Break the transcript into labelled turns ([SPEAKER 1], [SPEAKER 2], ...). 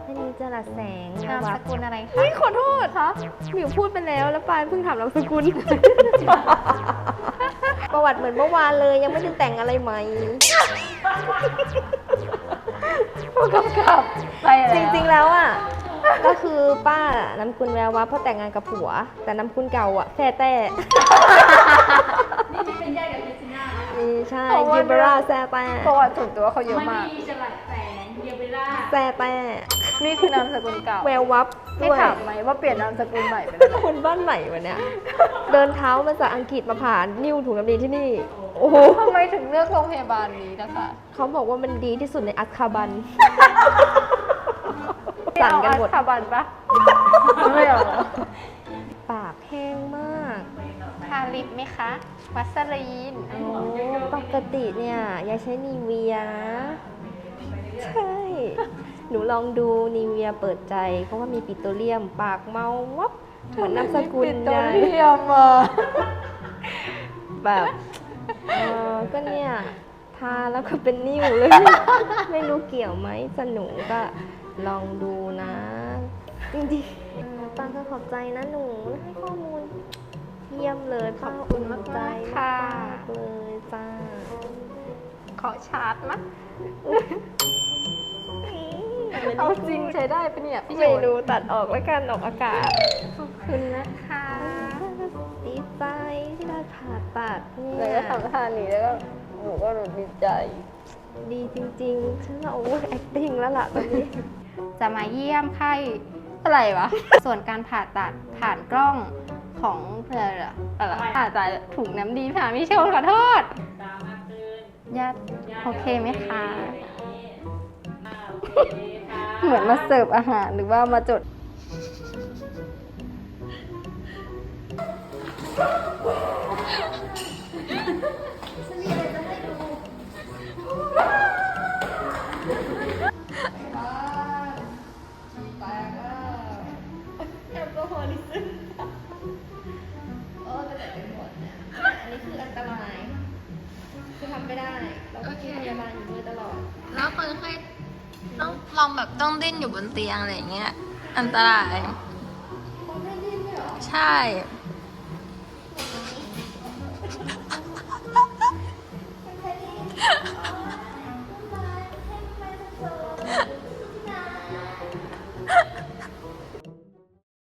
[SPEAKER 1] อันนี้จรัสแสง
[SPEAKER 2] นามสกุลอะไรคะ
[SPEAKER 1] เฮ้ยขอโทษคะหมิวพูดไปแล้วปานเพิ่งถามนามสกุล ประวัติเหมือนเมื่อวานเลยยังไม่ได้แต่งอะไรใหม่
[SPEAKER 2] ผู้กำกับไปแล้ว
[SPEAKER 1] จริงๆแล้วอ่ะ ก็คือป้านามสกุลแวววับเพราะแต่งงานกับผัว แต่นามสกุลเก่าอ่ะแฟ่แต่
[SPEAKER 3] นี่เป็นญาติกับเจสซิน่า
[SPEAKER 1] ใช่ยิบราแซ่แต่
[SPEAKER 2] ประวัติส่วนตัวเขาเยอะ
[SPEAKER 3] มัน
[SPEAKER 2] มาก
[SPEAKER 3] มีฉลัดแสงเยเบล่า
[SPEAKER 1] แซ่แต่
[SPEAKER 2] นี่คือนามสกุลเก่า
[SPEAKER 1] แวววับ
[SPEAKER 2] ให้
[SPEAKER 1] ด้วย
[SPEAKER 2] ถามไหมว่าเปลี่ยนนามสกุลใหม่ไปแล้ว
[SPEAKER 1] คนบ้านไหนวะเนี่ย เดินเท้ามาจากอังกฤษมาผ่านนิ้วถุงน้ำดีที่นี่ โอ้โห
[SPEAKER 2] ทำไมถึงเลือกโรงพยาบาลนี้นะคะ
[SPEAKER 1] เขาบอกว่ามันดีที่สุดในอัสคาบัน สั่นกันหมด
[SPEAKER 2] เอาอัสคาบันปะไม่เอาเหรอ
[SPEAKER 1] ปากแห้งมาก
[SPEAKER 2] ทาลิปไหมคะ วัสลีน
[SPEAKER 1] โอ้ปกติเนี่ยยายใช้นีเวียนะ ใช่ หนูลองดูนีเวียเปิดใจ เพราะว่ามีปิโตรเลียม ปากเมาวับเหมือนนามสกุล
[SPEAKER 2] ปิโตร
[SPEAKER 1] ยาย
[SPEAKER 2] เลียมอ่ะ
[SPEAKER 1] แบบก็เนี่ยทาแล้วก็เป็นนิ่วเลย ไม่รู้เกี่ยวไหมสนุกก็ลองดูนะ จริงๆปังก็ขอบใจนะหนูให้ข้อมูลเยี่ยมเลยป้า
[SPEAKER 2] ขอบคุณมากๆ
[SPEAKER 1] ใจ
[SPEAKER 2] ค่ะ
[SPEAKER 1] มากเลยจ้า
[SPEAKER 2] ขอชาร์จมั้ยเอาจริงใช้ได้ปะเนี่ยพี่โย
[SPEAKER 1] ไม่
[SPEAKER 2] น
[SPEAKER 1] รู้ตัดออกแล้วกันออกอากาศ
[SPEAKER 2] ขอบคุณนะคะ
[SPEAKER 1] ดีใจที่ได้ผ่าตัดเนี่
[SPEAKER 2] แล้ว
[SPEAKER 1] ย
[SPEAKER 2] ก็ทำท่านี้แล้วก็หนูก็รู้ดีใจ
[SPEAKER 1] ดีจริงๆ ฉันว่าโอ้ย acting แล้วล่ะตอนนี้
[SPEAKER 2] จะมาเยี่ยมไข้อะไรวะ ส่วนการผ่าตัดผ่านกล้องของอะไรผ่าตัดถุงน้ำดีผ่าพี่โชนขอโทษ
[SPEAKER 3] ตามมาเตือน
[SPEAKER 2] ญาติโอเคไหมคะ
[SPEAKER 3] โอเคค่ะ
[SPEAKER 2] เหมือนมาเสิร์ฟอาหารหรือว่ามาจด
[SPEAKER 1] แอลกอฮอลิซึมจะแต่เป็นหมดเนี่ยอันนี้คืออันตราย คือทำไม่ได้ เราก็กินพยาบาลอยู่ด้วยตลอด
[SPEAKER 4] แล้วคนไข้ต้องลองแบบต้องดิ้นอยู่บนเตียงอะไรอย่างเงี้ย อันตราย ใช่
[SPEAKER 1] เ